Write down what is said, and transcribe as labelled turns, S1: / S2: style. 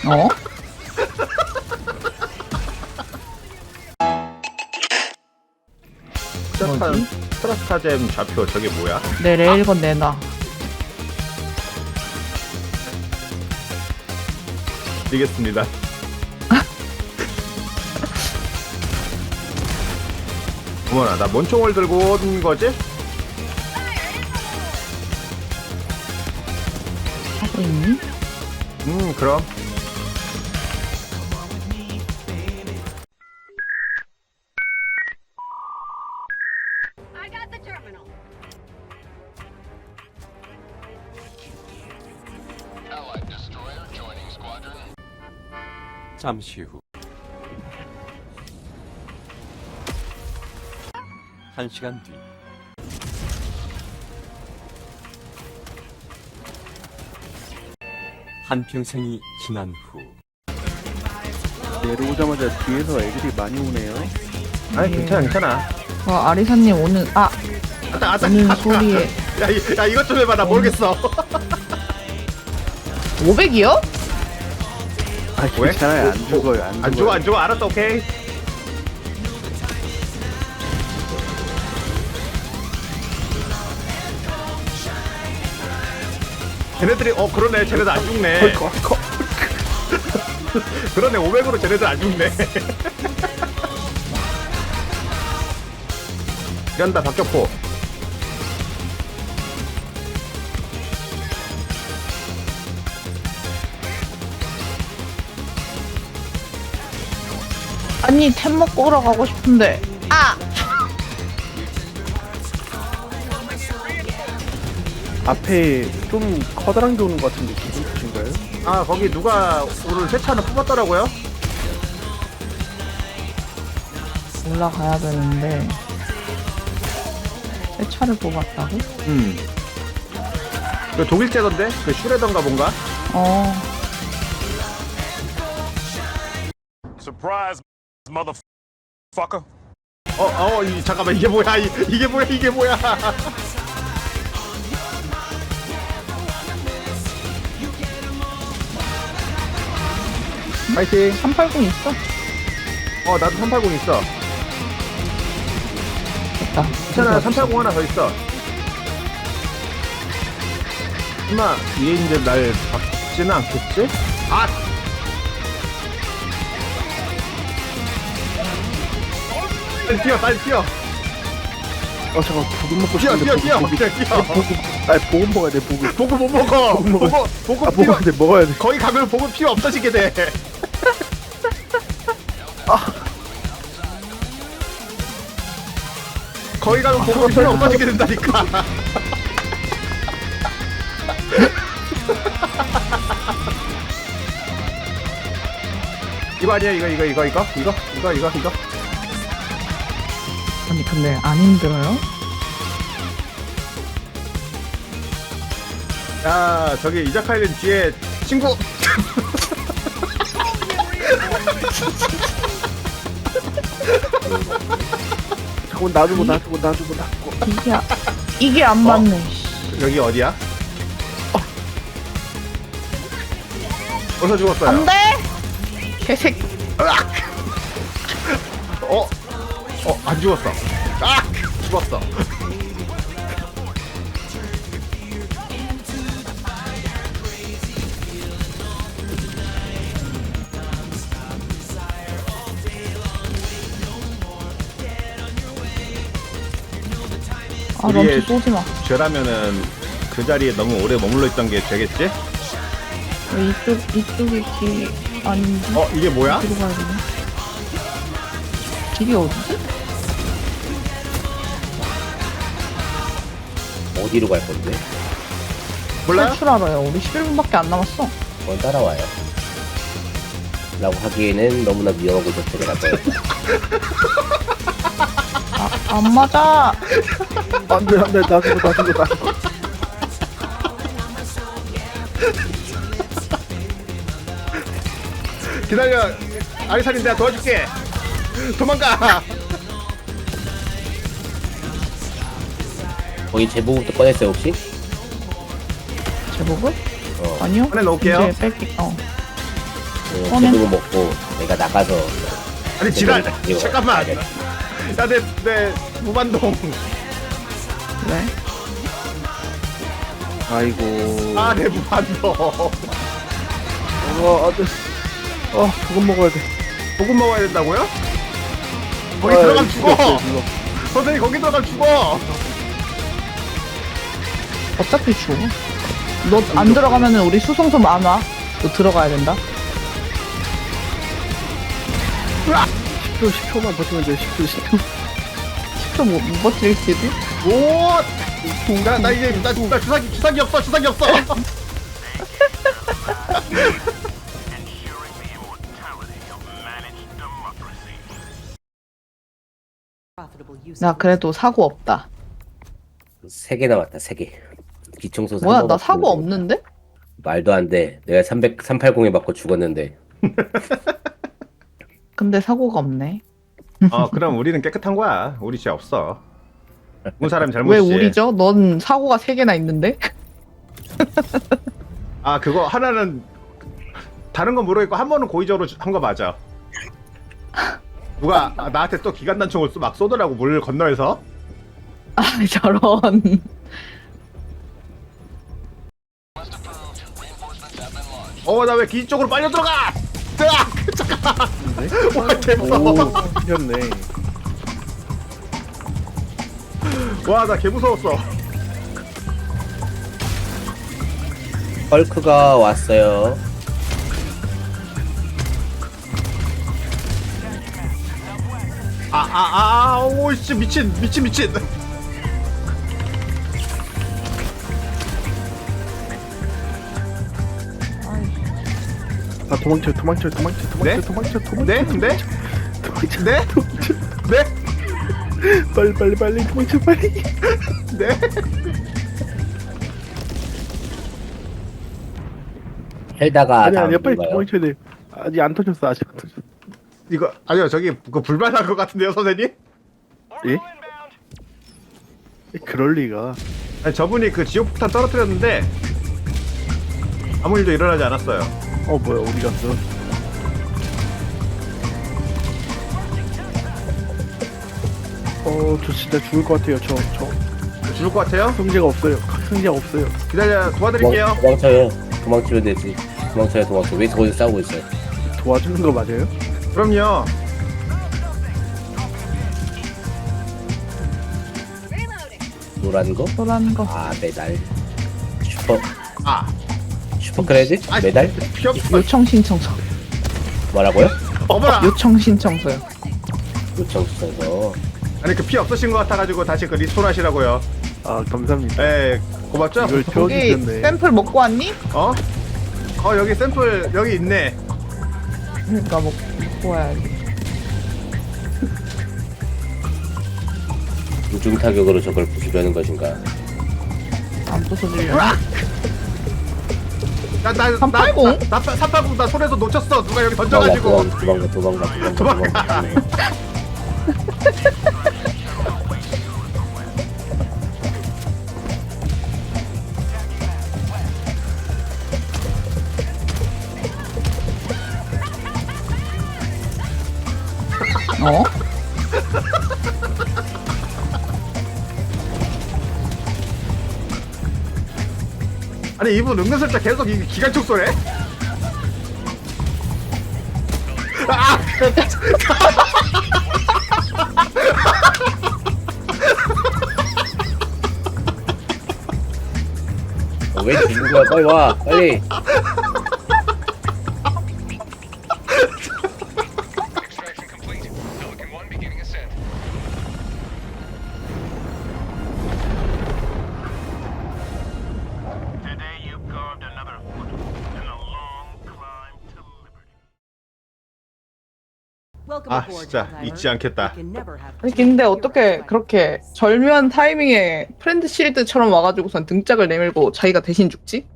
S1: 어? 뭐지?
S2: 트라스타잼 좌표 저게 뭐야?
S1: 내 레일건 내놔.
S2: 드리겠습니다. 어머나, 나 뭔 총을 들고 온 거지?
S1: 하고 있니?
S2: 그럼.
S3: I got the terminal.
S4: Allied destroyer joining squadron.
S5: 잠시 후 1시간 뒤 한평생이 지난 후
S6: 내려오자마자 뒤에서 애들이 많이 오네요.
S2: 아니, 괜찮아, 괜찮아.
S1: 아리사님 오는
S2: 아따.
S1: 오는 소리에
S2: 야, 이것 좀 해봐. 나 모르겠어.
S1: 500이요?
S6: 아,
S2: 왜?
S6: 괜찮아요. 안 죽어요.
S2: 안 죽어, 안 죽어. 알았어, 오케이. 쟤네들이, 그러네. 쟤네들 안 죽네. 그러네, 500으로 쟤네들 안 죽네. 이런다, 박격포.
S1: 아니 템 먹고 오러 가고 싶은데.
S6: 앞에 좀 커다란 게 오는 것 같은데 기분 탓인가요?
S2: 아, 거기 누가 오늘 세차는 뽑았더라고요?
S1: 올라가야 되는데 새 차를 뽑았다고?
S2: 그 독일제던데? 그 슈레던가 뭔가?
S4: Surprise, motherfucker.
S2: 잠깐만, 이게 뭐야? 이게 뭐야? 파이팅!
S1: 380 있어?
S2: 나도 380 있어.
S1: 됐다.
S2: 괜찮아, 380 하나 더 있어. 엄마, 얘 이제 날 박지는 않겠지? 아! 빨리 뛰어!
S6: 잠깐 보급 먹고
S2: 뛰어!
S6: 보급. 아, 보급 먹어야 돼. 보급.
S2: 보급 못 먹어! 보급 필요,
S6: 먹어야 돼. 먹어야 돼.
S2: 거기 가면 보급 필요 없어지게 돼. 거기 가면 보급 필요 없어지게 된다니까. 이거 아니야? 이거?
S1: 아니 근데 안 힘들어요?
S2: 야, 저기 이자카이는 뒤에 친구.
S6: 자꾸 놔주고.
S1: 이게 안 맞네.
S2: 여기 어디야? 벌써 죽었어요.
S1: 안돼. 개새끼.
S2: 안 죽었어. 죽었어.
S1: 런치
S2: 우리의
S1: 쏘지 마.
S2: 죄라면은 그 자리에 너무 오래 머물러 있던 게 죄겠지?
S1: 왜 이쪽이 길 아닌지?
S2: 이게 뭐야?
S1: 어디로 가야 되나? 길이 어디지?
S7: 어디로 갈 건데?
S2: 몰라요?
S1: 탈출하러요. 우리 11분밖에 안 남았어.
S7: 그건 따라와요. 라고 하기에는 너무나 위험한 곳에 데려갈 거예요.
S1: 안 맞아.
S6: 안 돼. 놔주고.
S2: 기다려. 아리사님 내가 도와줄게. 도망가.
S7: 거기 제보부터 꺼냈어요 혹시?
S1: 제복을?
S7: 어.
S1: 아니요.
S2: 꺼내놓을게요.
S1: 이제 뺄게.
S7: 제대로 먹고 내가 나가서
S2: 아니 지랄.
S7: 이거
S2: 잠깐만.
S7: 가야 돼.
S2: 야내 무반동.
S1: 그래?
S6: 아이고.
S2: 아내 무반동.
S6: 안돼. 조금 먹어야 돼.
S2: 소금 먹어야 된다고요? 거기
S6: 아,
S2: 들어가면 죽어.
S6: 죽어.
S2: 선생님 거기 들어가면 죽어.
S1: 어차피 죽어. 너 안 들어가면은 우리 수송소 많아. 너 들어가야 된다.
S6: 10초만 버티면 돼. 10초.
S1: 10초 못 버틸지도?
S2: 오. 나 이제 나 주사기 없어. 주사기 없어.
S1: 나 그래도 사고 없다.
S7: 3개 남았다 3개. 기총소
S1: 뭐야,
S7: 한
S1: 나
S7: 번
S1: 사고
S7: 맞추면
S1: 없는데?
S7: 말도 안 돼. 내가 380에 맞고 죽었는데.
S1: 근데 사고가 없네.
S2: 그럼 우리는 깨끗한 거야. 우리 죄 없어. 본 사람이
S1: 왜
S2: 잘못이지.
S1: 우리죠? 넌 사고가 3개나 있는데?
S2: 아 그거 하나는 다른 건 모르겠고 한 번은 고의적으로 한 거 맞아. 누가 나한테 또 기관단총을 막 쏘더라고 물 건너에서.
S1: 아, 저런.
S2: 나 왜 기 쪽으로 빨려 들어가? 잠깐. 와 개무서워.
S6: 오, 틀렸네.
S2: 와나 개무서웠어.
S7: 헐크가 왔어요.
S2: 오씨 미친.
S6: 도망쳐.
S2: 네?
S6: 도망쳐.
S2: 네? 네?
S6: 빨리 도망쳐 빨리.
S2: 네?
S7: 헬다가
S6: 아니
S7: 다음
S6: 빨리
S7: 누가요?
S6: 도망쳐야 돼. 아직 안 터졌어.
S2: 이거 아니요 저기 그 불발한 것 같은데요 선생님?
S6: 예? 그럴 리가.
S2: 아니, 저분이 그 지옥폭탄 떨어뜨렸는데 아무 일도 일어나지 않았어요.
S6: 뭐야 어디 갔어? 저 진짜 죽을 것 같아요. 저
S2: 죽을 것 같아요?
S6: 승재가 없어요. 승재가 없어요.
S2: 기다려 도와드릴게요.
S7: 도망쳐요. 도망치면 되지. 도망쳐. 왜 거기서 싸우고 있어요?
S6: 도와주는 거 맞아요?
S2: 그럼요.
S3: Reloading.
S7: 노란 거?
S1: 너라는 거.
S7: 아 메달.
S2: 아
S7: 슈퍼 크레딧?
S2: 아이,
S7: 메달?
S2: 필요 없어.
S1: 요청 신청서.
S7: 뭐라고요?
S2: 어머나.
S1: 요청 신청서요.
S7: 요청 수선서.
S2: 아니 그 피 없으신 것 같아가지고 다시 그 리스폰 하시라고요.
S6: 감사합니다.
S2: 에 고맙죠?
S6: 이걸
S1: 거기
S6: 태워주셨네.
S1: 샘플 먹고 왔니?
S2: 여기 샘플 여기 있네.
S1: 그러니까 먹고 와야지.
S7: 우중 타격으로 저걸 부수려는 것인가?
S1: 안 부숴주려고.
S2: 나
S1: 380?
S2: 380 나 손에서 놓쳤어. 누가 여기 던져가지고.
S7: 도망가.
S1: 어?
S2: 아니 이분 은근슬쩍 계속 이 기관총 쏘네.
S7: 왜 죽은 거야? 빨리 와, 빨리.
S4: Extraction complete. Pelican 1 beginning ascent. Today you carved another foot in a long climb to liberty.
S2: 아 진짜 잊지 않겠다.
S1: 아니 근데 어떻게 그렇게 절묘한 타이밍에 프렌드 실드처럼 와가지고선 등짝을 내밀고 자기가 대신 죽지?